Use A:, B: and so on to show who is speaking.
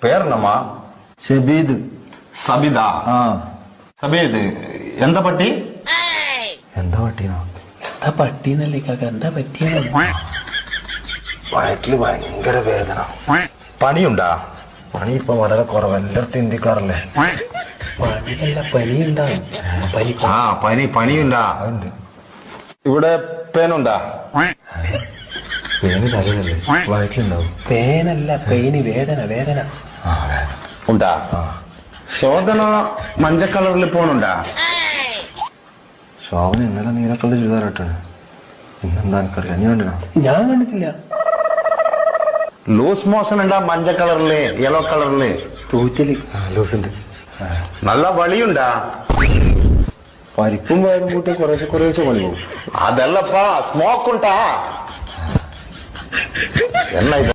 A: പേരെന്നമ്മാ?
B: ഷബീദ്.
A: സബിദാ?
B: ആ.
A: സബീദ് എന്താ പട്ടി?
B: എന്താ പട്ടിയാ?
C: എന്താ പട്ടിന്നല്ലേ കാക്ക, എന്താ പറ്റിയ?
B: വയറ്റില് ഭയങ്കര വേദന. പണിയുണ്ടാ? പണി ഇപ്പൊ വളരെ കുറവ്, എല്ലായിടത്തും ഇന്ത്യക്കാറല്ലേ.
C: പണിയല്ല, പനി ഉണ്ടാവും. പനി.
A: ആ പനിയുണ്ടാ?
B: അതുണ്ട്.
A: ഇവിടെ പേനുണ്ടാ?
B: പേന് തലയിലല്ലേ, വയറ്റിലുണ്ടാവും.
C: പേനല്ല, പെയിന്, വേദന.
B: ആ വേദന
A: ഉണ്ടാ? ശോധന മഞ്ഞ കളറിൽ പോണുണ്ടാ?
B: ശോഭന ഇന്നലെ നീലക്കള്ള ചുരിദാറിട്ടാണ്. ഇന്നെന്താ എനിക്കറിയാം, നീ കണ്ടിനാ?
C: ഞാൻ കണ്ടിട്ടില്ല.
A: ലൂസ് മോഷൻ ഉണ്ടാ? മഞ്ഞ കളറില്, യെല്ലോ കളറില്
C: തൂറ്റല്.
B: ലൂസുണ്ട്.
A: നല്ല വളിയുണ്ടാ?
B: പരിപ്പും വയറും കൂട്ടി കുറേശ്ശെ പണി പോകും.
A: അതല്ലപ്പാ, സ്മോക്ക് ഉണ്ടാ? എന്നാ ഇത്